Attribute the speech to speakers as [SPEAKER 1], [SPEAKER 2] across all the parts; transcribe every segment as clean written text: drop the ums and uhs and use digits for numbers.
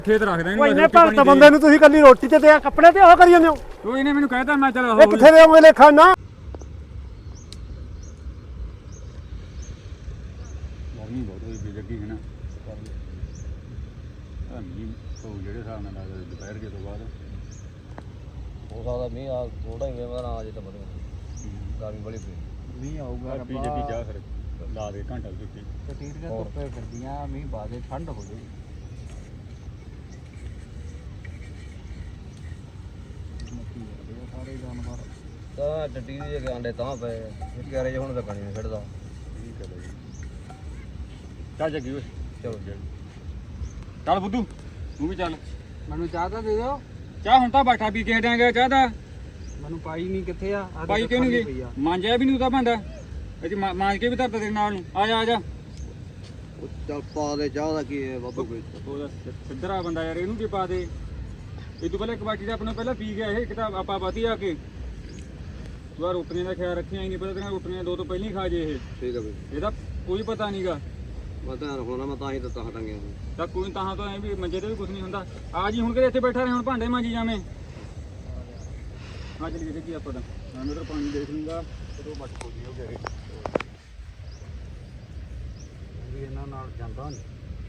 [SPEAKER 1] ਖੇਤ ਰੱਖਦਾ
[SPEAKER 2] ਉਹ ਇੰਨੇ ਭਗਤ ਬੰਦੇ ਨੂੰ ਤੁਸੀਂ ਕੱਲੀ ਰੋਟੀ ਤੇ ਕੱਪੜੇ ਤੇ ਉਹ ਕਰੀ ਜਾਂਦੇ ਹੋ।
[SPEAKER 1] ਤੂੰ ਇਹਨੇ ਮੈਨੂੰ ਕਹਿਤਾ ਮੈਂ ਚਲ
[SPEAKER 2] ਇਹ ਕਿੱਥੇ ਦੇ ਹੋਗੇ ਲੇਖਾ ਨਾ
[SPEAKER 1] ਗਰਮੀ ਬਹੁਤ ਹੋਈ ਪਈ ਜੱਗੀ ਹੈ ਨਾ ਮੀਂਹ ਤੋਂ ਜਿਹੜੇ ਹਿਸਾਬ ਨਾਲ ਲੱਗਦਾ ਦੁਪਹਿਰ ਕੇ ਤੋਂ ਬਾਅਦ
[SPEAKER 3] ਹੋ ਸਕਦਾ ਮੀਂਹ ਆ ਥੋੜਾ ਹੀ ਮੇਰਾ ਨਾ ਅਜੇ ਤਾਂ ਬੜਾ ਗਰਮੀ ਬੜੀ ਪਈ
[SPEAKER 2] ਮੀਂਹ ਆਊਗਾ
[SPEAKER 1] ਪੀ ਜੱਗੀ ਚਾਹ ਫਿਰ ਲਾ ਦੇ ਘੰਟਾ ਦਿੱਤੀ
[SPEAKER 2] ਟੀਟੀਆਂ ਧੁੱਪੇ ਫਿਰਦੀਆਂ ਮੀਂਹ ਬਾਅਦ ਠੰਡ ਹੋ ਗਈ ਸਾਰੇ ਜਾਨਵਰ
[SPEAKER 3] ਤਾਂ ਟੱਟੀ ਦੇ ਕੇ ਆਂਡੇ ਤਾਂ ਪਏ ਇਹ ਕਿਹੜੇ ਹੁਣ ਤਾਂ ਪਾਣੀ ਨਹੀਂ ਖੜਦਾ
[SPEAKER 1] ਠੀਕ ਹੈ ਬਾਈ ਚਾਹ ਜੱਗੀ ਓਏ
[SPEAKER 3] ਚਲੋ ਜੀ
[SPEAKER 1] ਚੱਲ ਬੁੱਧੂ ਤੂੰ ਵੀ ਚੱਲ
[SPEAKER 2] ਮੈਨੂੰ ਚਾਹ ਤਾਂ ਦੇ ਦਿਓ।
[SPEAKER 1] ਚਾਹ ਹੁਣ ਤਾਂ ਬਾਠਾ ਪੀ ਕੇ ਹਟਾਂਗੇ ਚਾਹ ਦਾ
[SPEAKER 2] ਮੈਨੂੰ ਪਾਈ ਨਹੀਂ ਕਿੱਥੇ ਆ
[SPEAKER 1] ਪਾਈ ਕਿਉਂ ਨਹੀਂ ਗਈ ਮਾਂਜਿਆ ਵੀ ਨਹੀਂ ਉਹਦਾ ਬੰਦਾ ਇਹ ਮਾਂਜ ਕੇ ਵੀ ਧਰਤਾ ਤੇਰੇ ਨਾਲ ਨੂੰ ਆ ਜਾ ਆ ਜਾ
[SPEAKER 3] ਚੱਲ ਪਾ ਦੇ ਚਾਹ ਦਾ ਕੀ ਹੈ ਬਾਬਾ ਕੋਈ
[SPEAKER 1] ਉਹਦਾ ਸਿੱਧਰਾ ਬੰਦਾ ਯਾਰ ਇਹਨੂੰ ਕੀ ਪਾ ਦੇ ਇਹ ਤੋਂ ਪਹਿਲਾਂ ਇੱਕ ਬਾਟੀ ਦਾ ਆਪਣਾ ਪਹਿਲਾਂ ਪੀ ਗਿਆ ਇਹ ਕਿਤਾਬ ਆਪਾਂ ਬਾਤੀ ਆ ਕੇ ਤੂੰ ਆ ਰੋਟੀਆਂ ਦਾ ਖਿਆਲ ਰੱਖਿਆ ਹੀ ਨਹੀਂ ਪਹਿਲਾਂ ਤੇਰੀਆਂ ਰੋਟੀਆਂ ਦੋ ਤੋਂ ਪਹਿਲਾਂ ਹੀ ਖਾ ਜੇ ਇਹ
[SPEAKER 3] ਠੀਕ ਹੈ ਬਈ
[SPEAKER 1] ਇਹਦਾ ਕੋਈ ਪਤਾ ਨਹੀਂਗਾ
[SPEAKER 3] ਮੈਂ ਧਿਆਨ ਰੱਖਣਾ ਮੈਂ ਤਾਂ ਹੀ ਤਾਂ ਹਟਾਂਗੇ
[SPEAKER 1] ਤਾਂ ਕੋਈ ਤਾਂ ਤੋਂ ਐ ਵੀ ਮੰਜੇ ਤੇ ਵੀ ਕੁਝ ਨਹੀਂ ਹੁੰਦਾ ਆ ਜੀ ਹੁਣ ਕਿਤੇ ਇੱਥੇ ਬੈਠਾ ਰਹੇ ਹੁਣ ਭਾਂਡੇ ਮਾਂਜੀ ਜਾਵੇਂ ਆ ਚਲੀ ਗਈ ਕੀ ਆਪਾਂ ਤਾਂ ਮੈਂ ਉਧਰ ਪਾਣੀ ਦੇਖ ਲੂੰਗਾ ਕਦੋਂ ਮੱਟ ਕੋਦੀ ਹੋ ਗਿਆ
[SPEAKER 2] ਵੀ ਇਹਨਾਂ ਨਾਲ ਜਾਂਦਾ ਨਹੀਂ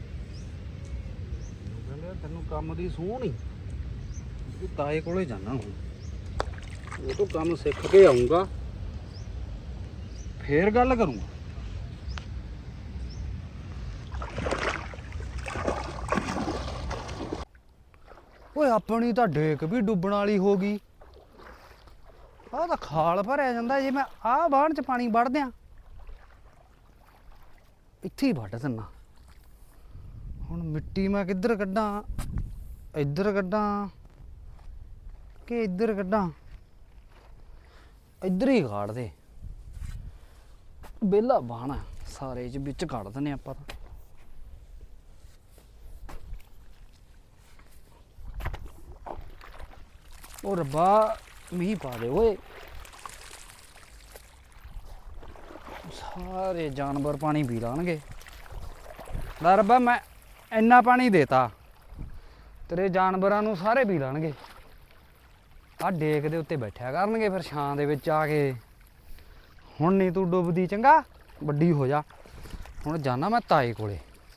[SPEAKER 2] ਕਹਿੰਦੇ ਤੈਨੂੰ ਕੰਮ ਦੀ ਸੂਹ ਨਹੀਂ ਤੂੰ ਤਾਏ ਕੋਲੇ ਜਾਣਾ ਹੁਣ ਉਹ ਤੋਂ ਕੰਮ ਸਿੱਖ ਕੇ ਆਉਂਗਾ ਫੇਰ ਗੱਲ ਕਰੂੰਗਾ। ਓਏ ਆਪਣੀ ਤਾਂ ਡੇਕ ਵੀ ਡੁੱਬਣ ਵਾਲੀ ਹੋ ਗਈ। ਆਹ ਤਾਂ ਖਾਲ ਭਰਿਆ ਜਾਂਦਾ ਜੇ ਮੈਂ ਆਹ ਬਾਣ ਚ ਪਾਣੀ ਵੜ ਦਿਆਂ ਇੱਥੇ ਹੀ ਵੱਢ ਦਿੰਨਾ। ਹੁਣ ਮਿੱਟੀ ਮੈਂ ਕਿੱਧਰ ਕੱਢਾਂ ਇੱਧਰ ਕੱਢਾਂ ਕਿ ਇੱਧਰ ਕੱਢਾਂ ਇੱਧਰ ਹੀ ਕਾੜ ਦੇ ਵਿਹਲਾ ਬਾਣ ਸਾਰੇ ਚ ਵਿੱਚ ਕੱਢ ਦਿੰਨੇ ਆਪਾਂ ਤਾਂ। ਉਹ ਰੱਬਾ ਮੀਂਹ ਪਾ ਦੇ ਓਏ ਸਾਰੇ ਜਾਨਵਰ ਪਾਣੀ ਪੀ ਲਾਣਗੇ। ਲੈ ਰੱਬਾ ਮੈਂ ਇੰਨਾ ਪਾਣੀ ਦੇਤਾ ਤੇਰੇ ਜਾਨਵਰਾਂ ਨੂੰ ਸਾਰੇ ਪੀ ਲਾਣਗੇ। ਆਹ ਡੇਕ ਦੇ ਉੱਤੇ ਬੈਠਿਆ ਕਰਨਗੇ ਫਿਰ ਛਾਂ ਦੇ ਵਿੱਚ ਆ ਕੇ। ਹੁਣ ਨਹੀਂ ਤੂੰ ਡੁੱਬਦੀ ਚੰਗਾ ਵੱਡੀ ਹੋ ਜਾ। ਹੁਣ ਜਾਣਾ ਮੈਂ ਤਾਏ ਕੋਲੇ।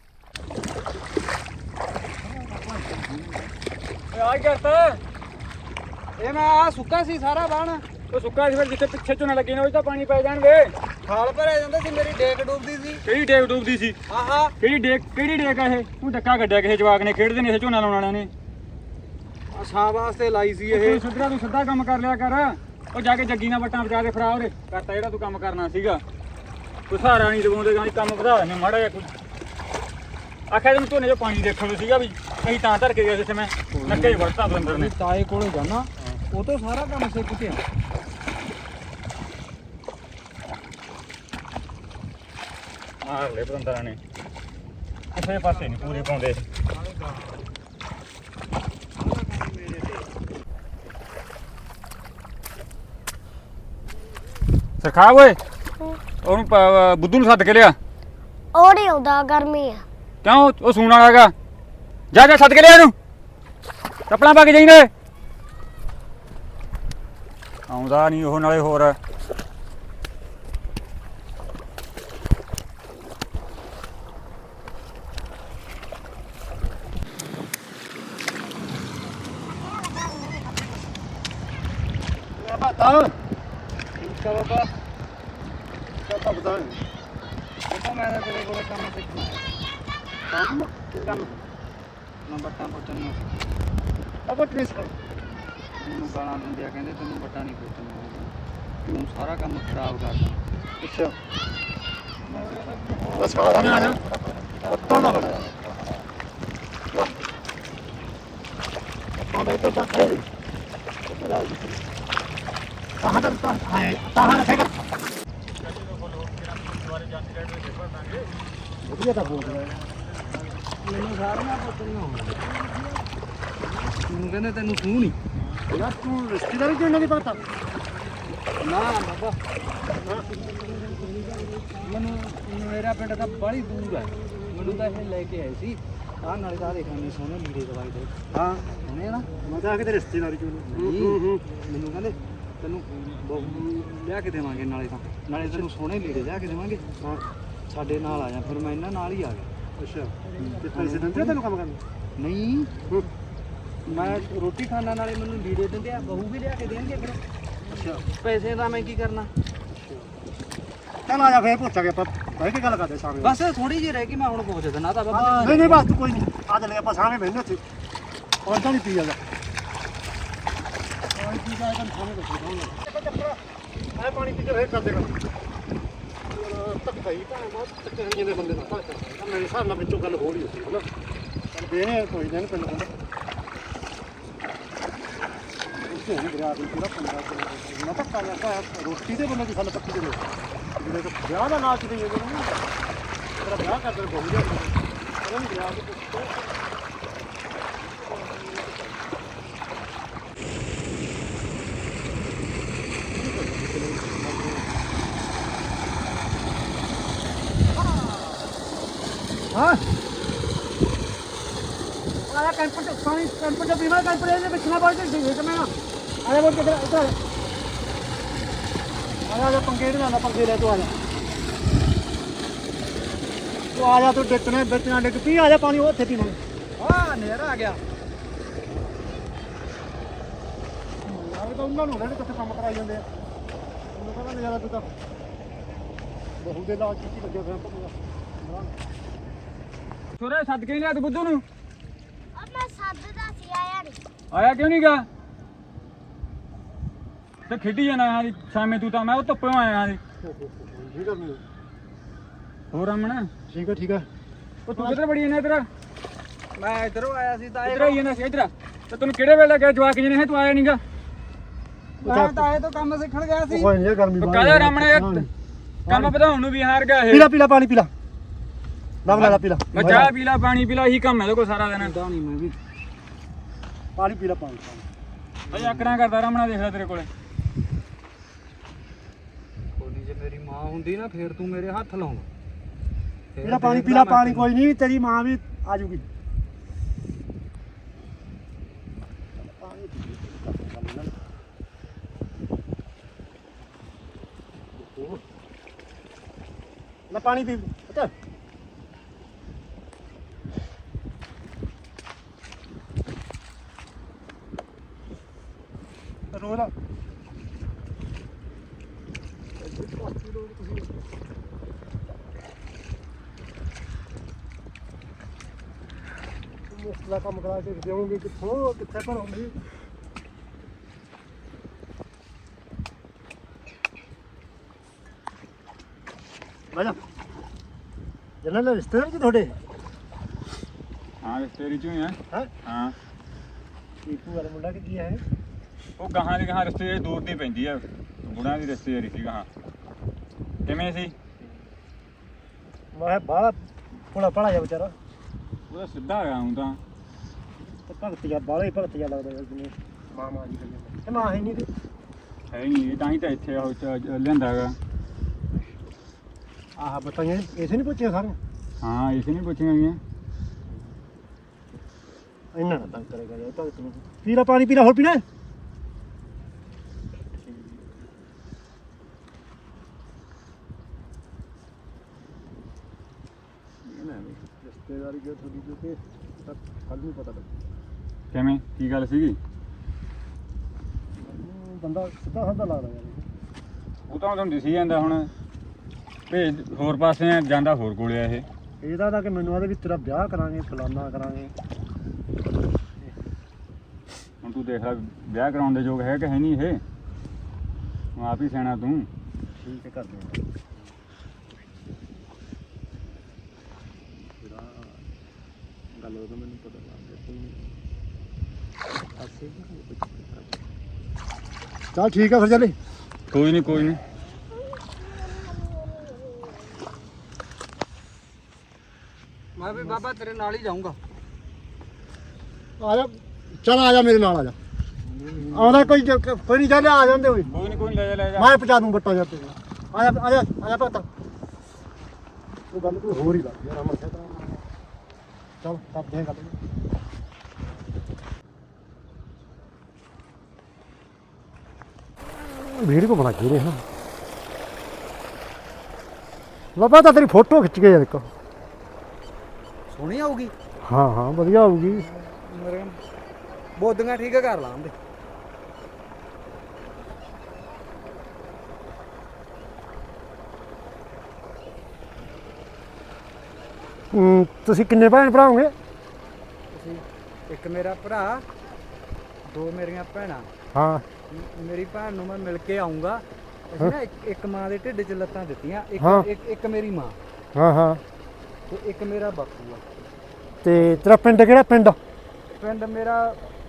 [SPEAKER 1] ਆ ਕਰਤਾ
[SPEAKER 2] ਇਹ ਮੈਂ ਆ ਸੁੱਕਾ ਸੀ ਸਾਰਾ ਬਾਣ
[SPEAKER 1] ਉਹ ਸੁੱਕਾ ਸੀ ਫਿਰ ਜਿੱਥੇ ਪਿੱਛੇ ਝੋਨਾ ਲੱਗੇ ਨੇ ਉਹ ਤਾਂ ਪਾਣੀ ਪੈ ਜਾਣਗੇ।
[SPEAKER 2] ਖਾਲ ਭਰਿਆ ਜਾਂਦਾ ਸੀ ਮੇਰੀ ਡੇਕ ਡੁੱਬਦੀ ਸੀ।
[SPEAKER 1] ਕਿਹੜੀ ਡੇਕ ਡੁੱਬਦੀ ਸੀ?
[SPEAKER 2] ਆਹਾ
[SPEAKER 1] ਕਿਹੜੀ ਡੇਕ ਆ ਇਹ? ਤੂੰ ਡੱਕਾ ਕੱਢਿਆ ਕਿਸੇ ਜਵਾਕ ਨੇ ਖੇਡਦੇ ਨੇ ਇਹ ਝੋਨਾ ਲਾਉਣ ਵਾਲਿਆਂ ਨੇ।
[SPEAKER 2] ਆ ਛਾਂ ਵਾਸਤੇ ਲਾਈ ਸੀ ਇਹ।
[SPEAKER 1] ਤੂੰ ਸਿੱਧਾ ਕੰਮ ਕਰ ਲਿਆ ਕਰ। ਉਹ ਜਾ ਕੇ ਜੱਗੀ ਨਾਲ ਵੱਟਾਂ ਬਚਾ ਕੇ ਫੜਾ ਉਹਦੇ ਕਰਤਾ ਜਿਹੜਾ ਤੂੰ ਕੰਮ ਕਰਨਾ ਸੀਗਾ। ਕੋਈ ਸਹਾਰਾ ਨਹੀਂ ਦਵਾਉਂਦੇ ਗਾਂ ਕੰਮ ਵਧਾ ਦਿੰਦੇ ਮਾੜਾ ਜਿਹਾ ਕੋਈ। ਆਖਿਆ ਤੈਨੂੰ ਝੋਨੇ 'ਚ ਪਾਣੀ ਦੇਖਣ ਨੂੰ ਸੀਗਾ ਵੀ ਕਹੀਂ ਤਾਂ ਧਰ ਕੇ ਗਿਆ ਜਿੱਥੇ ਮੈਂ ਨੱਕੇ 'ਚ ਵੜਤਾ ਬੰਦਰ ਨੇ।
[SPEAKER 2] ਤਾਏ ਕੋਲੇ ਜਾਣਾ ਉਹ ਤੋਂ ਸਾਰਾ ਕੰਮ ਸਿੱਖ ਕੇ ਆ।
[SPEAKER 1] ਮਾਰ ਲੈ ਬੰਦਰਾਂ ਨੇ ਕਿਸੇ ਪਾਸੇ ਨਹੀਂ ਪੂਰੇ ਪਾਉਂਦੇ। ਸਰਖਾ ਓਏ ਉਹਨੂੰ ਬੁੱਧੂ ਨੂੰ ਸੱਦ ਕੇ ਲਿਆ।
[SPEAKER 4] ਉਹ ਨਹੀਂ ਆਉਂਦਾ ਗਰਮੀ ਆ।
[SPEAKER 1] ਕਿਉਂ ਉਹ ਸੂਣ ਵਾਲਾ ਹੈਗਾ? ਜਾ ਜਾ ਸੱਦ ਕੇ ਲਿਆ ਇਹਨੂੰ ਚੱਪਲਾਂ ਪਾ ਕੇ ਜਾਈਂਦੇ। ਆਉਂਦਾ ਨਹੀਂ ਉਹ ਨਾਲੇ ਹੋਰ
[SPEAKER 2] ਠੀਕ ਆ ਬਾਬਾ ਕਿਆ ਬਤਾ ਬਤਾ ਮੈਂ ਤਾਂ ਤੇਰੇ ਕੋਲੇ ਕੰਮ ਸਿੱਖਣਾ ਹੈ। ਕੰਮ ਮੈਂ ਬੱਟਾਂ ਪੋਚਣ ਨੂੰ ਅਬ ਟ੍ਰੇਸ ਕਰ ਮੈਨੂੰ ਗਾਲਾਂ ਦਿੰਦੇ ਆ ਕਹਿੰਦੇ ਤੈਨੂੰ ਬੱਟਾਂ ਨਹੀਂ ਪੋਚਣ ਆਉਂਦਾ ਤੂੰ ਸਾਰਾ ਕੰਮ ਖਰਾਬ ਕਰਦਾ। ਅੱਛਾ ਬਸ ਆ ਨਾ ਪੱਤਾ ਨਾ ਲਗਾ ਆਵੇ ਤਾਂ ਬੱਟੇ ਕਹਾਂ ਤਾਂ ਹੈ ਤਾਂ ਹੈ ਵਧੀਆ ਤਾਂ ਬੋਲ ਰਿਹਾ ਮੈਨੂੰ ਸਾਰੀਆਂ ਪੋਚਣੀਆਂ ਹੋਣਗੀਆਂ। ਮੈਨੂੰ ਕਹਿੰਦੇ ਤੈਨੂੰ ਸੂਹ ਨਹੀਂ ਯਾਰ ਤੂੰ ਰਿਸ਼ਤੇਦਾਰੀ ਚ ਇਹਨਾਂ ਦੀ ਪਤਾ ਨਾ ਬਾਬਾ ਮੈਨੂੰ ਮੇਰਾ ਪਿੰਡ ਤਾਂ ਬੜੀ ਦੂਰ ਹੈ। ਮੈਨੂੰ ਤਾਂ ਇਹ ਲੈ ਕੇ ਆਏ ਸੀ ਆਹ ਨਾਲੇ ਤਾਂ ਦੇਖਾਂਗੇ ਸੋਹਣੇ ਲੀੜੇ ਦਵਾਈ ਦੇ
[SPEAKER 5] ਹਾਂ
[SPEAKER 2] ਸੋਹਣੇ ਆ ਨਾ
[SPEAKER 5] ਮੈਂ ਤਾਂ ਆ ਕੇ ਤੇ ਰਿਸ਼ਤੇਦਾਰੀ ਚੋਂ
[SPEAKER 2] ਮੈਨੂੰ ਕਹਿੰਦੇ ਤੈਨੂੰ ਬਹੂ ਲਿਆ ਕੇ ਦੇਵਾਂਗੇ ਨਾਲੇ ਤੈਨੂੰ ਸੋਹਣੇ ਲੀੜੇ ਲਿਆ ਕੇ ਦੇਵਾਂਗੇ
[SPEAKER 5] ਹਾਂ
[SPEAKER 2] ਸਾਡੇ ਨਾਲ ਆ ਜਾ ਫਿਰ ਮੈਂ ਇਹਨਾਂ ਨਾਲ ਹੀ ਆ ਗਿਆ
[SPEAKER 5] ਅੱਛਾ ਤੇ ਪੈਸੇ ਦਿੰਦੇ ਆ ਤੈਨੂੰ ਕੰਮ ਕਰਨ
[SPEAKER 2] ਨਹੀਂ ਮੈਂ ਰੋਟੀ ਖਾਣਾ ਨਾਲੇ ਮੈਨੂੰ ਲੀੜੇ ਦਿੰਦੇ ਆ ਬਹੂ ਵੀ ਲਿਆ ਕੇ ਦੇਣਗੇ ਫਿਰ
[SPEAKER 5] ਅੱਛਾ
[SPEAKER 2] ਪੈਸੇ ਦਾ ਮੈਂ ਕੀ ਕਰਨਾ
[SPEAKER 5] ਚੱਲ ਆ ਜਾ ਫੇਰ ਪੁੱਛਾਂਗੇ ਆਪਾਂ ਬਹਿ ਕੇ ਗੱਲ ਕਰਦੇ ਸਾਹਮਣੇ
[SPEAKER 2] ਬਸ ਥੋੜੀ ਜਿਹੀ ਰਹਿ ਗਈ ਮੈਂ ਹੁਣ ਪਹੁੰਚ ਦੇਣਾ ਤਾਂ ਬਾਬਾ
[SPEAKER 5] ਨਹੀਂ ਨਹੀਂ ਬਸ ਤੂੰ ਕੋਈ ਨਹੀਂ ਆ ਚੱਲੇ ਆਪਾਂ ਸਾਹਮਣੇ ਬਹਿਨੇ ਉੱਥੇ ਔਰ ਤਾਂ ਨਹੀਂ ਪੀ ਜਾਗਾ ਪਾਣੀ ਪੀ ਜਾ ਕੇ ਸਾਹਮਣੇ ਬੈਠੇ ਆ ਪਾਣੀ ਪੀ ਕੇ ਫੇਰ ਕਰਦੇ ਗੱਲ ਧੱਕਾ ਹੀ ਭਾਵੇਂ ਬਹੁਤ ਧੱਕੇ ਹੋਈ ਜਾਂਦੇ ਬੰਦੇ ਨਾਲ ਮੇਰੇ ਹਿਸਾਬ ਨਾਲ ਵਿੱਚੋਂ ਗੱਲ ਹੋ ਰਹੀ ਹੁੰਦੀ ਹੈ ਨਾ ਚੱਲ ਦੇ ਕੋਈ ਨਹੀਂ ਪਿੰਡ ਬੰਦਾ ਉੱਥੇ ਨਹੀਂ ਦਰਿਆ ਦੀ ਪੂਰਾ ਪੰਗਾ ਨਾ ਧੱਕਾ ਜਾਂਦਾ ਰੋਟੀ ਦੇ ਬੰਦੇ ਦੀ ਗੱਲ ਪੱਕੀ ਦੇ ਜਿਹੜੇ ਤਾਂ ਵਿਆਹ ਦਾ ਨਾਚ ਦੇ ਜਾਂਦੇ ਨੇ ਤੇਰਾ ਵਿਆਹ ਕਰਦੇ ਬਹੁਤ ਜਾਂਦੇ ਨੇ ਉਹਨਾਂ ਨੂੰ ਵਿਆਹ ਦੇ ਪੁੱਛੋ ਹਾਂ ਆਇਆ ਕੈਂਪਰ ਤੇ ਪਾਣੀ ਕੈਂਪਰ ਤੇ ਪੀਵਾ ਕੈਂਪਰ ਇਹਦੇ ਵਿੱਚ ਨਾ ਪਹੁੰਚ ਜੀ ਤੇ ਮੈਂ ਆਇਆ ਬੋਲ ਕੇ ਇੱਧਰ ਆਇਆ ਪੰਗੇ ਨਹੀਂ ਲੈਂਦਾ ਪੰਗੇ ਲੈ ਤੂੰ ਆ ਜਾ ਤੂੰ ਡਿੱਕਣੇ ਵਿੱਚ ਨਾ ਡਿੱਗ ਪੀ ਆ ਜਾ ਪਾਣੀ ਉੱਥੇ ਪੀਵਾਂਗੇ
[SPEAKER 2] ਹਾਂ ਨੇਰਾ ਆ ਗਿਆ
[SPEAKER 5] ਆਵੇ ਤਾਂ ਉਹਨਾਂ ਨੂੰ ਜਿਹੜੇ ਕਿੱਥੇ ਕੰਮ ਕਰਾਈ ਜਾਂਦੇ ਆ ਉਹਨੂੰ ਕਹਿੰਦਾ ਨਜ਼ਾਰਾ ਤੂੰ ਤਾਂ ਬਹੂ ਦੇ ਲਾਜ ਕੀ ਲੱਗਿਆ ਫਿਰ ਪੂਰਾ
[SPEAKER 1] ਛੋਰੇ ਸੱਦ ਕੇ ਲਿਆ ਤੂੰ ਬੁੱਧੂ ਨੂੰ
[SPEAKER 4] ਮੈਂ ਸੱਦਦਾ ਸੀ ਆਇਆ ਨਹੀਂ
[SPEAKER 1] ਆਇਆ ਕਿਉਂ ਨਹੀਂ ਗਾ ਤੇ ਖੇਡੀ ਜਾਣਾ ਹਾਂ ਸ਼ਾਮੇ ਤੂੰ ਤਾਂ ਮੈਂ ਉਹ ਧੁੱਪੇ ਆਇਆ ਹਾਂ
[SPEAKER 5] ਠੀਕ ਆ ਮੈਨੂੰ
[SPEAKER 1] ਹੋਰ ਅਮਨ
[SPEAKER 5] ਠੀਕ ਆ ਠੀਕ ਆ
[SPEAKER 1] ਉਹ ਤੂੰ ਕਿੱਧਰ ਬੜੀ ਜਾਂਦਾ ਇੱਧਰ
[SPEAKER 2] ਮੈਂ ਇਧਰੋਂ ਆਇਆ ਸੀ ਤਾਂ
[SPEAKER 1] ਇੱਧਰ ਆਈ ਜਾਂਦਾ ਸੀ ਇੱਧਰ ਤੇ ਤੈਨੂੰ ਕਿਹੜੇ ਵੇਲੇ ਗਿਆ ਜਵਾਕ ਜਿਹਨੇ ਹੈ ਤੂੰ ਆਇਆ ਨਹੀਂਗਾ
[SPEAKER 2] ਮੈਂ ਤਾਂ ਇਹ ਤੋਂ ਕੰਮ ਸਿੱਖਣ ਗਿਆ ਸੀ
[SPEAKER 5] ਕੋਈ ਨਹੀਂ ਗਰਮੀ
[SPEAKER 1] ਉਹ ਕਾਹਦਾ ਰਾਮਣਾ ਯਾਰ ਕੰਮ ਵਧਾਉਣ ਨੂੰ ਵੀ ਹਾਰ ਗਿਆ ਇਹ
[SPEAKER 5] ਪੀਲਾ ਪੀਲਾ ਪਾਣੀ ਪੀਲਾ ਲੱਭ ਲੈ ਪੀਲਾ
[SPEAKER 1] ਮੈਂ ਚਾਹ ਪੀ ਲਾ ਪਾਣੀ ਪੀ ਲਾ ਇਹੀ ਕੰਮ ਹੈ ਇਹਦੇ ਕੋਲ ਸਾਰਾ ਦਿਨ
[SPEAKER 2] ਤਾਂ ਨਹੀਂ ਮੈਂ ਵੀ
[SPEAKER 5] ਪਾਣੀ ਪੀਲਾ ਪਾਣੀ
[SPEAKER 1] ਅਜੇ ਆਕੜਾਂ ਕਰਦਾ ਰਾਮਣਾ ਦੇਖ ਲੈ ਤੇਰੇ ਕੋਲੇ
[SPEAKER 2] ਕੋਲੀ ਜੇ ਮੇਰੀ ਮਾਂ ਹੁੰਦੀ ਨਾ ਫੇਰ ਤੂੰ ਮੇਰੇ ਹੱਥ ਲਾਉਣਾ
[SPEAKER 5] ਪੀਲਾ ਪਾਣੀ ਪੀਲਾ ਪਾਣੀ ਕੋਈ ਨਹੀਂ ਤੇਰੀ ਮਾਂ ਵੀ ਆ ਜੂਗੀ ਲੈ ਪਾਣੀ ਪੀ ਅੱਛਾ ਰੋਜ਼ ਦਾ ਮੁਫਤ ਦਾ ਕੰਮ ਕਰਾ ਕੇ ਦੇਵਾਂਗੇ ਕਿੱਥੋਂ ਕਿੱਥੇ ਭਰੋਂਗੇ ਬਾਜਾ ਜਨਾਂ ਦਾ ਰਿਸ਼ਤੇਦਾਰ ਜੀ ਤੁਹਾਡੇ
[SPEAKER 1] ਹਾਂ ਰਿਸ਼ਤੇਰੀ ਚੋਂ ਹੀ ਆ
[SPEAKER 5] ਹੈ
[SPEAKER 1] ਹਾਂ
[SPEAKER 5] ਟੀਪੂ ਵਾਲਾ ਮੁੰਡਾ ਕਿ ਕੀ ਹੈ
[SPEAKER 1] ਉਹ ਗਾਹਾਂ ਦੀ ਗਾਹਾਂ ਰਿਸ਼ਤੇਦਾਰੀ ਦੂਰ ਦੀ ਪੈਂਦੀ ਆ ਬੁੜਾਂ ਦੀ ਰਿਸ਼ਤੇਦਾਰੀ ਸੀ ਗਾਹਾਂ ਕਿਵੇਂ ਸੀ
[SPEAKER 5] ਮੈਂ ਬਾਹਲਾ ਭੋਲਾ ਭਾਲਾ ਜਿਹਾ ਵਿਚਾਰਾ
[SPEAKER 1] ਉਹਦਾ ਸਿੱਧਾ ਗਿਆ ਹੂੰ ਤਾਂ
[SPEAKER 5] ਤੇ ਭਗਤ ਜਿਹਾ ਬਾਹਲਾ ਹੀ ਭਗਤ ਜਿਹਾ ਲੱਗਦਾ ਜਿਵੇਂ ਮਾਂ ਮਾਂ ਜੀ ਕਰੀ ਤੇ ਮਾਂ ਹੈ ਨਹੀਂ ਤੇ
[SPEAKER 1] ਹੈ ਨਹੀਂ ਤਾਂ ਹੀ ਤਾਂ ਇੱਥੇ ਉਹ ਲਿਆਂਦਾ ਹੈਗਾ
[SPEAKER 5] ਆਹ ਬਤਾਈਆਂ ਇਸੇ ਨਹੀਂ ਪੁੱਛਿਆ ਸਾਰੀਆਂ
[SPEAKER 1] ਹਾਂ ਇਸੇ ਨਹੀਂ ਪੁੱਛੀਆਂ ਗਈਆਂ
[SPEAKER 5] ਇੰਨਾ ਨਾ ਤੰਗ ਕਰੇਗਾ ਯਾਰ ਭਗਤ ਨੂੰ ਪੀਲਾ ਪਾਣੀ ਪੀਲਾ ਹੋਰ ਪੀਣਾ ਹੈ? ਰਿਸ਼ਤੇਦਾਰੀ ਜੋ ਤੁਹਾਡੀ ਜੋ ਤੇ ਕੱਲ ਨੂੰ ਪਤਾ ਲੱਗ
[SPEAKER 1] ਕਿਵੇਂ ਕੀ ਗੱਲ ਸੀਗੀ
[SPEAKER 5] ਬੰਦਾ ਸਿੱਧਾ ਸਾਦਾ ਲੱਗਦਾ ਯਾਰ
[SPEAKER 1] ਉਹ ਤਾਂ ਤੁਹਾਨੂੰ ਦਿਸੀ ਜਾਂਦਾ ਹੁਣ ਭੇਜ ਹੋਰ ਪਾਸੇ ਆ ਜਾਂਦਾ ਹੋਰ ਕੋਲੇ ਆ ਇਹ
[SPEAKER 5] ਇਹਦਾ ਤਾਂ ਕਿ ਮੈਨੂੰ ਆਦੇ ਵੀ ਤੇਰਾ ਵਿਆਹ ਕਰਾਂਗੇ ਫਲਾਨਾ ਕਰਾਂਗੇ
[SPEAKER 1] ਹੁਣ ਤੂੰ ਦੇਖ ਲੈ ਵਿਆਹ ਕਰਾਉਣ ਦੇ ਯੋਗ ਹੈ ਕਿ ਹੈ ਨਹੀਂ ਇਹ ਹੁਣ ਆਪ ਹੀ ਸਿਆਣਾ ਤੂੰ
[SPEAKER 5] ਠੀਕ ਹੈ ਕਰਦੇ ਹਾਂ ਗੱਲ ਉਹ ਤਾਂ ਮੈਨੂੰ ਪਤਾ ਲੱਗ ਗਿਆ ਚੱਲ ਠੀਕ ਆ ਫਿਰ ਚੱਲੇ
[SPEAKER 1] ਕੋਈ ਨਹੀਂ ਕੋਈ ਨਹੀਂ
[SPEAKER 2] ਮੈਂ ਵੀ ਬਾਬਾ ਤੇਰੇ ਨਾਲ ਹੀ ਜਾਊਂਗਾ
[SPEAKER 5] ਆ ਜਾ ਚੱਲ ਆ ਜਾ ਮੇਰੇ ਨਾਲ ਆ ਜਾ ਆਉਂਦਾ ਕੋਈ ਕੋਈ ਨਹੀਂ ਚੱਲ ਆ ਜਾਂਦੇ ਹੋਏ
[SPEAKER 1] ਕੋਈ ਨਹੀਂ ਲੈ ਜਾ ਲੈ ਜਾ
[SPEAKER 5] ਮੈਂ ਪਹੁੰਚਾ ਦੂੰ ਬੱਟਾ ਜਾ ਤੇ ਆ ਜਾ ਆ ਜਾ ਆ ਜਾ ਭਗਤ ਉਹ ਗੱਲ ਕੋਈ ਹੋਰ ਹੀ ਲੱਗ ਯਾਰ ਅਮਰ ਸਾਹਿਬ ਚਲ ਕਰਦੇ ਹਾਂ ਗੱਲ। ਵੀਡੀਓ ਬਣਾ ਕੇ ਰਹੇ ਹਾਂ ਲੱਭਾ ਤਾਂ ਤੇਰੀ ਫੋਟੋ ਖਿੱਚ ਕੇ ਯਾਰ ਇੱਕ।
[SPEAKER 2] ਸੋਹਣੀ ਆਊਗੀ
[SPEAKER 5] ਹਾਂ ਹਾਂ ਵਧੀਆ ਆਊਗੀ।
[SPEAKER 2] ਮੇਰੇ ਬੋਦੀਆਂ ਠੀਕ ਕਰ ਲਾਂਦੇ।
[SPEAKER 5] ਤੁਸੀਂ ਕਿੰਨੇ ਭੈਣ ਭਰਾ ਹੋਗੇ?
[SPEAKER 2] ਤੁਸੀਂ ਇੱਕ ਮੇਰਾ ਭਰਾ, ਦੋ ਮੇਰੀਆਂ ਭੈਣਾਂ।
[SPEAKER 5] ਹਾਂ
[SPEAKER 2] ਮੇਰੀ ਭੈਣ ਨੂੰ ਮੈਂ ਮਿਲ ਕੇ ਆਉਂਗਾ। ਅਸੀਂ ਨਾ ਇੱਕ ਮਾਂ ਦੇ ਢਿੱਡ 'ਚ ਲੱਤਾਂ ਦਿੱਤੀਆਂ,
[SPEAKER 5] ਹਾਂ।
[SPEAKER 2] ਇੱਕ ਮੇਰੀ ਮਾਂ
[SPEAKER 5] ਹਾਂ ਹਾਂ
[SPEAKER 2] ਤੇ ਇੱਕ ਮੇਰਾ ਬਾਪੂ ਆ।
[SPEAKER 5] ਤੇ ਤੇਰਾ ਪਿੰਡ ਕਿਹੜਾ? ਪਿੰਡ
[SPEAKER 2] ਪਿੰਡ ਮੇਰਾ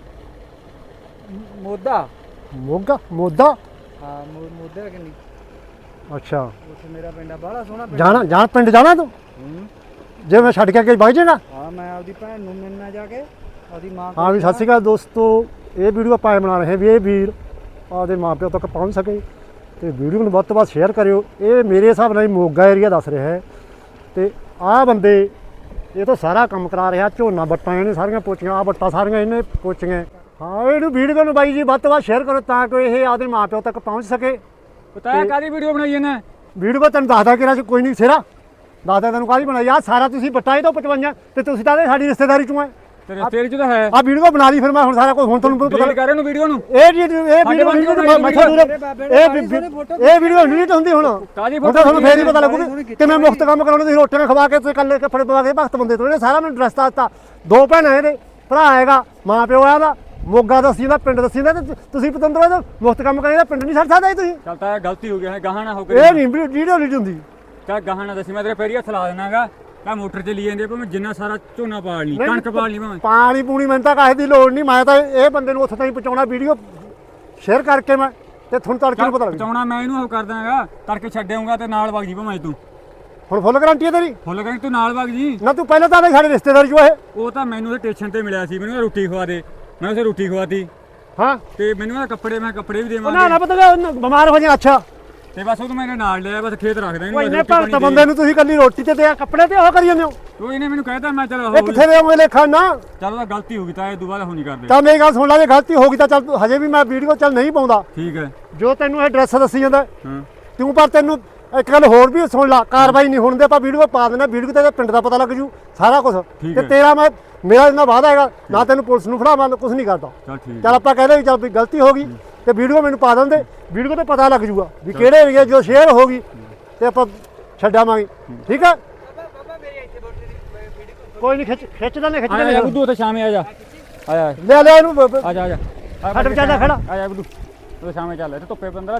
[SPEAKER 2] ਮੋਦਾ।
[SPEAKER 5] ਮੋਗਾ ਮੋਦਾ।
[SPEAKER 2] ਹਾਂ ਮੋਦਾ ਕਿੰਨੀ।
[SPEAKER 5] ਅੱਛਾ
[SPEAKER 2] ਉੱਥੇ ਮੇਰਾ ਪਿੰਡ ਆ, ਬਾਹਲਾ ਸੋਹਣਾ ਪਿੰਡ।
[SPEAKER 5] ਜਾਣਾ ਜਾਣ ਪਿੰਡ ਜਾਣਾ ਤੂੰ?
[SPEAKER 2] ਹੂੰ।
[SPEAKER 5] ਜੇ ਮੈਂ ਛੱਡ ਕੇ ਅੱਗੇ ਵਗ ਜਾਣਾ?
[SPEAKER 2] ਹਾਂ ਮੈਂ ਆਪਦੀ ਭੈਣ ਨੂੰ ਮਿਲਣਾ ਜਾ ਕੇ, ਆਪਦੀ ਮਾਂ
[SPEAKER 5] ਹਾਂ ਵੀ ਸਤਿ ਸ਼੍ਰੀ ਅਕਾਲ ਦੋਸਤੋ, ਇਹ ਵੀਡੀਓ ਆਪਾਂ ਬਣਾ ਰਹੇ ਵੀ ਇਹ ਵੀਰ ਆਪਦੇ ਮਾਪਿਆਂ ਤੱਕ ਪਹੁੰਚ ਸਕੇ ਤੇ ਵੀਡੀਓ ਨੂੰ ਵੱਧ ਤੋਂ ਵੱਧ ਸ਼ੇਅਰ ਕਰਿਓ। ਇਹ ਮੇਰੇ ਹਿਸਾਬ ਨਾਲ ਮੋਗਾ ਏਰੀਆ ਦੱਸ ਰਿਹਾ ਹੈ ਤੇ ਆਹ ਬੰਦੇ ਇਹ ਤੋਂ ਸਾਰਾ ਕੰਮ ਕਰਾ ਰਿਹਾ। ਝੋਨਾ ਵੱਟਾਂ ਇਹਨੇ ਸਾਰੀਆਂ ਪੋਚੀਆਂ, ਆਹ ਵੱਟਾਂ ਸਾਰੀਆਂ ਇਹਨੇ ਪੋਚੀਆਂ। ਹਾਂ ਇਹਨੂੰ ਵੀਡੀਓ ਨੂੰ ਬਾਈ ਜੀ ਵੱਧ ਤੋਂ ਵੱਧ ਸ਼ੇਅਰ ਕਰੋ ਤਾਂ ਕਿ ਇਹ ਆਪਦੇ ਮਾਪਿਆਂ ਤੱਕ ਪਹੁੰਚ ਸਕੇ।
[SPEAKER 1] ਪਤਾ ਕਾਦੀ ਵੀਡੀਓ ਬਣਾਈ ਇਹਨੇ?
[SPEAKER 5] ਵੀਡੀਓ ਮੈਂ ਤੈਨੂੰ ਦੱਸਦਾ ਕਿ ਕੋਈ ਨਹੀਂ ਸਿਰਾ ਦੱਸਦਾ ਤੈਨੂੰ ਕਾਹਦੀ ਬਣਾਈ ਆ। ਸਾਰਾ ਤੁਸੀਂ ਵੱਟਾਂ ਇਹ ਤੋਂ 55 ਤੇ ਤੁਸੀਂ ਤਾਂ ਸਾਡੀ ਰਿਸ਼ਤੇਦਾਰੀ ਚੋਂ ਹੈ।
[SPEAKER 1] ਤੇਰੀ ਚ ਤਾਂ ਹੈ।
[SPEAKER 5] ਆ ਵੀਡੀਓ ਬਣਾ ਲਈ ਫਿਰ ਮੈਂ ਹੁਣ ਸਾਰਾ ਕੁਝ ਹੁਣ ਤੁਹਾਨੂੰ ਪਤਾ
[SPEAKER 1] ਡਿਲੀਟ ਕਰ ਇਹਨੂੰ ਵੀਡੀਓ ਨੂੰ।
[SPEAKER 5] ਇਹ ਵੀਡੀਓ ਨਹੀਂ ਹੁੰਦੀ ਹੁਣ।
[SPEAKER 1] ਕਾਦੀ
[SPEAKER 5] ਹੁਣ ਤਾਂ ਤੁਹਾਨੂੰ ਫੇਰ ਹੀ ਪਤਾ ਲੱਗੂ ਕਿ ਮੈਂ ਮੁਫਤ ਕੰਮ ਕਰਾਉਣਾ। ਤੁਸੀਂ ਰੋਟੀਆਂ ਖਵਾ ਕੇ ਤੇ ਕੱਲੇ ਕੱਪੜੇ ਪਵਾ ਕੇ ਭਗਤ ਬੰਦੇ ਤੋਂ ਇਹਨੇ ਸਾਰਾ ਮੈਨੂੰ ਰਸਤਾ ਦਿੱਤਾ। ਦੋ ਭੈਣਾਂ ਇਹਦੇ, ਭਰਾ ਹੈਗਾ, ਮਾਂ ਪਿਓ ਆ ਦਾ, ਮੋਗਾ ਦੱਸੀ ਦਾ, ਪਿੰਡ ਦੱਸੀ ਦਾ। ਤੇ ਤੁਸੀਂ ਪਤੰਦਰ ਇਹਦਾ ਮੁਫਤ ਕੰਮ ਕਰਾਂਗੇ ਪਿੰਡ ਨਹੀਂ ਛੱਡ ਸਕਦੇ ਤੁਸੀਂ।
[SPEAKER 1] ਚੱਲ ਤਾਂ ਗਲਤੀ ਹੋ ਗਈ ਹੈ, ਗਾਹਾਂ ਨਾ ਹੋ
[SPEAKER 5] ਇਹ
[SPEAKER 1] ਗਈ।
[SPEAKER 5] ਨਹੀਂ ਵੀਡੀਓ ਨਹੀਂ ਹੁੰਦੀ।
[SPEAKER 1] ਚੱਲ ਗਾਹਾਂ ਨਾ ਦੱਸੀ, ਮੈਂ ਤੇਰੇ ਫੇਰ ਹੀ ਹੱਥ ਲਾ ਦੇਣਾਗਾ। ਤਾਂ ਮੋਟਰ ਚਲੀ ਜਾਂਦੀ ਆ, ਭਾਵੇਂ ਜਿੰਨਾ ਸਾਰਾ ਝੋਨਾ ਪਾਲ ਲਈ, ਕਣਕ ਪਾਲ ਲਈ ਭਾਵੇਂ।
[SPEAKER 5] ਪਾਣੀ ਪੂਣੀ ਮੈਨੂੰ ਤਾਂ ਕਾਹੇ ਦੀ ਲੋੜ ਨਹੀਂ। ਮੈਂ ਤਾਂ ਇਹ ਬੰਦੇ ਨੂੰ ਉੱਥੇ ਤਾਈਂ ਪਹੁੰਚਾਉਣਾ ਵੀਡੀਓ ਸ਼ੇਅਰ ਕਰਕੇ ਮੈਂ ਤੇ ਤੁਹਾਨੂੰ ਤੜਕੇ ਨੂੰ ਪਤਾ ਲੱਗ
[SPEAKER 1] ਪਹੁੰਚਾਉਣਾ ਮੈਂ ਇਹਨੂੰ ਉਹ ਕਰ ਦਾਂਗਾ, ਤੜਕੇ ਛੱਡ ਆਊਂਗਾ ਤੇ ਨਾਲ ਵਗ ਜੀ ਭਾਵੇਂ ਤੂੰ।
[SPEAKER 5] ਹੁਣ ਫੁੱਲ ਗਰੰਟੀ ਹੈ ਤੇਰੀ?
[SPEAKER 1] ਫੁੱਲ ਕਹਿੰਦੀ ਤੂੰ ਨਾਲ ਵਗ ਜੀ।
[SPEAKER 5] ਨਾ ਤੂੰ ਪਹਿਲਾਂ ਤਾਂ ਸਾਡੇ ਰਿਸ਼ਤੇਦਾਰੀ ਚੋਂ ਇਹ।
[SPEAKER 1] ਉਹ ਤਾਂ ਮੈਨੂੰ ਤੇ ਸਟੇਸ਼ਨ ਤੇ ਮਿਲਿਆ ਸੀ, ਮੈਨੂੰ ਰੋਟੀ ਖਵਾ ਦੇ। ਮੈਂ ਉਸੇ ਰੋਟੀ ਖਵਾਤੀ
[SPEAKER 5] ਹਾਂ
[SPEAKER 1] ਤੇ ਮੈਨੂੰ ਕੱਪੜੇ, ਮੈਂ ਕੱਪੜੇ ਵੀ
[SPEAKER 5] ਨਾ
[SPEAKER 1] ਦੇਵਾਂਗਾ
[SPEAKER 5] ਨਾ ਪਤਾ ਬਿਮਾਰ ਹੋ ਜਾ। ਅੱਛਾ
[SPEAKER 1] ਤੇ ਬਸ ਉਹ ਮੇਰੇ ਨਾਲ ਲਿਆ, ਬਸ ਖੇਤ ਰੱਖਦਾ
[SPEAKER 5] ਉਹ
[SPEAKER 1] ਇਹਨੂੰ।
[SPEAKER 5] ਇੰਨੇ ਭਗਤ ਬੰਦੇ ਨੂੰ ਤੁਸੀਂ ਕੱਲੀ ਰੋਟੀ ਤੇ ਆ ਕੱਪੜੇ ਤੇ ਉਹ ਕਰੀ ਜਾਂਦੇ ਹੋ।
[SPEAKER 1] ਉਹ ਇਹਨੇ ਮੈਨੂੰ ਕਹਿਤਾ, ਮੈਂ ਚਲ
[SPEAKER 5] ਇਹ ਕਿੱਥੇ ਦੇ ਲੇਖਾ ਨਾ।
[SPEAKER 1] ਚਲ ਉਹਦਾ ਗਲਤੀ ਹੋ ਗਈ ਤਾਂ ਇਹ ਦੁਬਾਰਾ ਹੋ ਨਹੀਂ ਕਰਦੇ।
[SPEAKER 5] ਤਾਂ ਮੇਰੀ ਗੱਲ ਸੁਣ ਲੈ, ਜੇ ਗਲਤੀ ਹੋ ਗਈ ਤਾਂ ਚੱਲ ਹਜੇ ਵੀ ਮੈਂ ਵੀਡੀਓ ਚੱਲ ਨਹੀਂ ਪਾਉਂਦਾ।
[SPEAKER 1] ਠੀਕ ਹੈ।
[SPEAKER 5] ਜੋ ਤੈਨੂੰ ਇਹ ਐਡਰੈਸ ਦੱਸੀ ਜਾਂਦਾ
[SPEAKER 1] ਹਾਂ
[SPEAKER 5] ਤੂੰ, ਪਰ ਤੈਨੂੰ ਇੱਕ ਗੱਲ ਹੋਰ ਵੀ ਸੁਣ ਲਾ, ਕਾਰਵਾਈ ਨਹੀਂ ਹੋਣ ਦੇ ਆਪਾਂ ਵੀਡੀਓ ਪਾ ਦੇਣਾ। ਵੀਡੀਓ ਤੇ ਪਿੰਡ ਦਾ ਪਤਾ ਲੱਗ ਜੂ ਸਾਰਾ ਕੁਝ।
[SPEAKER 1] ਠੀਕ
[SPEAKER 5] ਤੇ
[SPEAKER 1] ਹੈ।
[SPEAKER 5] ਤੇਰਾ ਮੇਰਾ ਇੰਨਾ ਵਾਅਦਾ ਹੈਗਾ ਨਾ ਤੈਨੂੰ ਪੁਲਿਸ ਨੂੰ ਫੜਾ, ਮੈਂ ਕੁਝ ਨਹੀਂ ਕਰਦਾ।
[SPEAKER 1] ਚਲ ਠੀਕ
[SPEAKER 5] ਚੱਲ ਆਪਾਂ ਕਹਿੰਦੇ ਵੀ ਚੱਲ ਵੀ ਗਲਤੀ ਹੋ ਗਈ ਤੇ ਵੀਡੀਓ ਮੈਨੂੰ ਪਾ ਦਿੰਦੇ। ਵੀਡੀਓ ਤੇ ਪਤਾ ਲੱਗ ਜੂਗਾ ਵੀ ਕਿਹੜੇ ਏਰੀਆ ਜੋ ਸ਼ੇਅਰ ਹੋ ਗਈ ਤੇ ਆਪਾਂ ਛੱਡਾਵਾਂਗੇ। ਠੀਕ ਆ ਕੋਈ ਨਹੀਂ, ਖਿੱਚਦਾ ਨਹੀਂ
[SPEAKER 1] ਆ ਜਾ ਬੁੱਧੂ, ਉੱਥੇ ਸ਼ਾਮੇ ਆ ਜਾ। ਆਇਆ
[SPEAKER 5] ਲੈ ਇਹਨੂੰ
[SPEAKER 1] ਆ ਜਾ ਆ ਜਾ।
[SPEAKER 5] ਛੱਡ ਵਿਚਾਰਾ ਖੜਾ।
[SPEAKER 1] ਆ ਜਾ ਬੁੱਧੂ, ਉਹ ਸ਼ਾਮੇ ਚੱਲ, ਇੱਥੇ ਧੁੱਪੇ ਬੰਦਾ।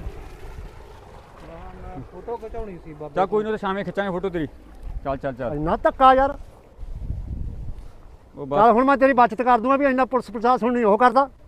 [SPEAKER 2] ਫੋਟੋ ਖਿਚਾਉਣੀ ਸੀ ਬਾਬਾ।
[SPEAKER 1] ਚੱਲ ਕੋਈ ਨਹੀਂ, ਸ਼ਾਮੇ ਖਿੱਚਾਂਗੇ ਫੋਟੋ ਤੇਰੀ। ਚੱਲ ਚੱਲ ਚੱਲ।
[SPEAKER 5] ਇੰਨਾ ਧੱਕਾ ਯਾਰ।
[SPEAKER 1] ਉਹ
[SPEAKER 5] ਚੱਲ
[SPEAKER 1] ਬਸ
[SPEAKER 5] ਹੁਣ ਮੈਂ ਤੇਰੀ ਬਚਤ ਕਰ ਦੂੰਗਾ ਵੀ ਇੰਨਾ ਪੁਲਿਸ ਪ੍ਰਸ਼ਾਸਨ ਨਹੀਂ ਉਹ ਕਰਦਾ।